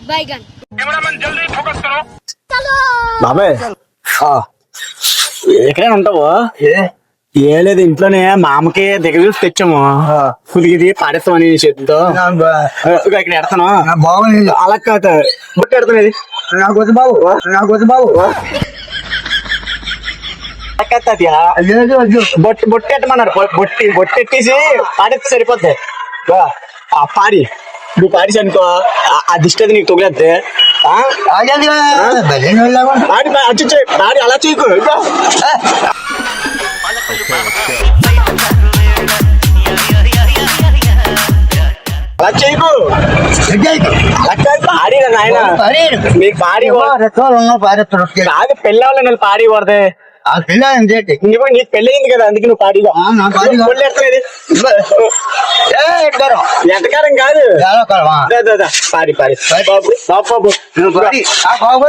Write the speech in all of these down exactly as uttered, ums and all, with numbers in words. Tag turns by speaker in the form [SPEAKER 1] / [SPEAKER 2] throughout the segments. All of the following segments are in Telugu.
[SPEAKER 1] బాబాయ్ ఎక్కడైనా ఉంటావు? ఏ లేదు, ఇంట్లోనే మామకి దగ్గర చూసి తెచ్చాము. కుదిగిది పాడేస్తామని చేతితో ఇక్కడ ఎడతాను. బాగుంది. అలా కాదు, బొట్టు ఎడతాను. నాకు వద్దు బాబు, నాకు వద్దు బాబు. బొట్టు బొట్టు ఎట్టమన్నారు. బొట్టి బొట్టు ఎట్టేసి పాడేస్తే సరిపోద్ది. పాడి నువ్వు పాడిసి అనుకో, ఆ దిష్టి అది నీకు తొగలేద్ది. పాడి పాడి అలా చేయకు. అలా చేయకు. పాడి నాయన, మీకు పాడి కాదు, పెళ్ళి అవ్వాలి. పాడి పడితే నీకు పెళ్ళి అయింది కదా, అందుకే నువ్వు పాడిగా. ఎంతకాలం కాదు, పాడి పాడి బాబు బాబు బాబు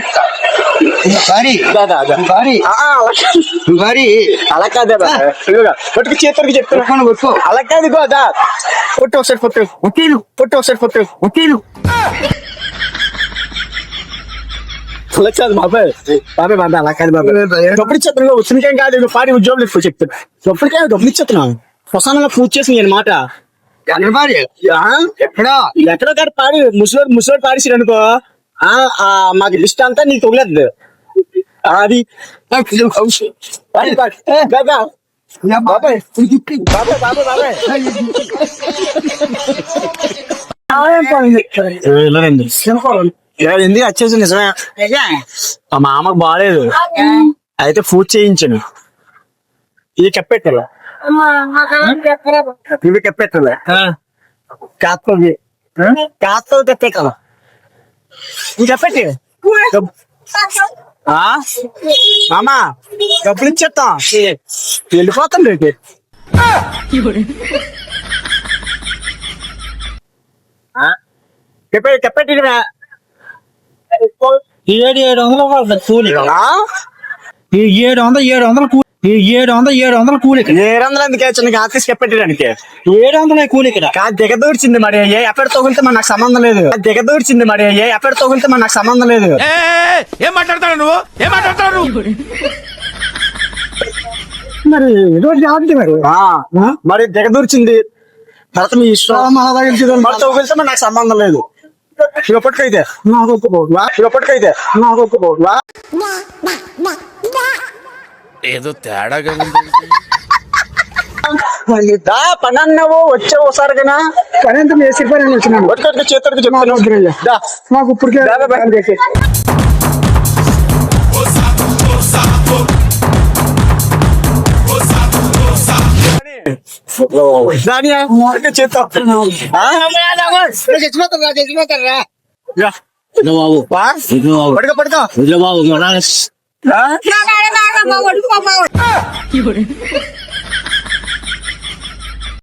[SPEAKER 1] అలా కాదే పొట్టుకు చేతులకి చెప్తాను. అలా కాదు, గోదా పొట్టు ఒకసారి పొట్టు ఒకేలు పొట్టు ఒకసారి పొట్టు ఒకేలు. బాబాయ్ బాబాయ్ బాబాయ్ అలా కాదు బాబాయ్. డబ్బులు ఇచ్చేస్తున్నా, వచ్చినకేం కాదు. నువ్వు పాడి ఉద్యోగులు ఎక్కువ చెప్తాను. డబ్బులకే డబ్బులు ఇచ్చేస్తున్నావు. శ్మశానంలో పూజ చేసి నేను మాట ఎక్కడో ఎక్కడో కాదు పాడి. ముసలోడు ముసలోడు పాడిసి అనుకో, మాకు లిస్ట్ అంతా నీకు తొగలేదు. అది బాబాయ్ బాబాయ్ బాబాయ్ బాబాయ్ ఎందుకు వచ్చేసి నిజమే. మా మామకు బాగాలేదు, అయితే పూజ చేయించాను. ఇది చెప్పెట్టాల ఇవి చెప్పెట్టాల కాస్తవి కాస్త తెప్పే కదా. ఇది చెప్పెట్టి మామా డబ్బులు ఇచ్చేస్తాం, వెళ్ళిపోతాం రేపు. చెప్పే చెప్పెట్టి
[SPEAKER 2] ఏడు ఏడు వందలు కూలి ఏడు వందలు ఏడు వందలు కూలి ఏడు వందలు ఏడు వందలు కూలి
[SPEAKER 1] ఏడు వందలు ఎందుకే చిన్న ఆఫీస్ చెప్పెట్టడానికి
[SPEAKER 2] ఏడు వందల కూలి ఇక్కడ
[SPEAKER 1] కాదు. దిగదూర్చింది మరి ఏ ఎక్కడ తగులితే మన నాకు సంబంధం లేదు. దిగదూర్చింది మరి ఏ ఎక్కడ తగులితే మన నాకు సంబంధం లేదు.
[SPEAKER 3] ఏం మాట్లాడతాడు నువ్వు, ఏం మాట్లాడతాడు
[SPEAKER 1] మరి మరి మరి దిగదూర్చింది తర్వాత మీ ఇష్టం. మరి తగులితే మరి నాకు సంబంధం లేదు. ఇప్పటికైతే నాకు ఒప్పుకోవా, ఇప్పటికైతే నాకు ఒప్పుకోవా.
[SPEAKER 3] ఏదో తేడాగా
[SPEAKER 1] పని అన్నావు, వచ్చావు ఒకసారి కదా. పని అంతా వేసి పని వచ్చినాను. ఒక్కడికి చేతుడికి చెప్తాను. మాకు ఇప్పటికే
[SPEAKER 2] బాబు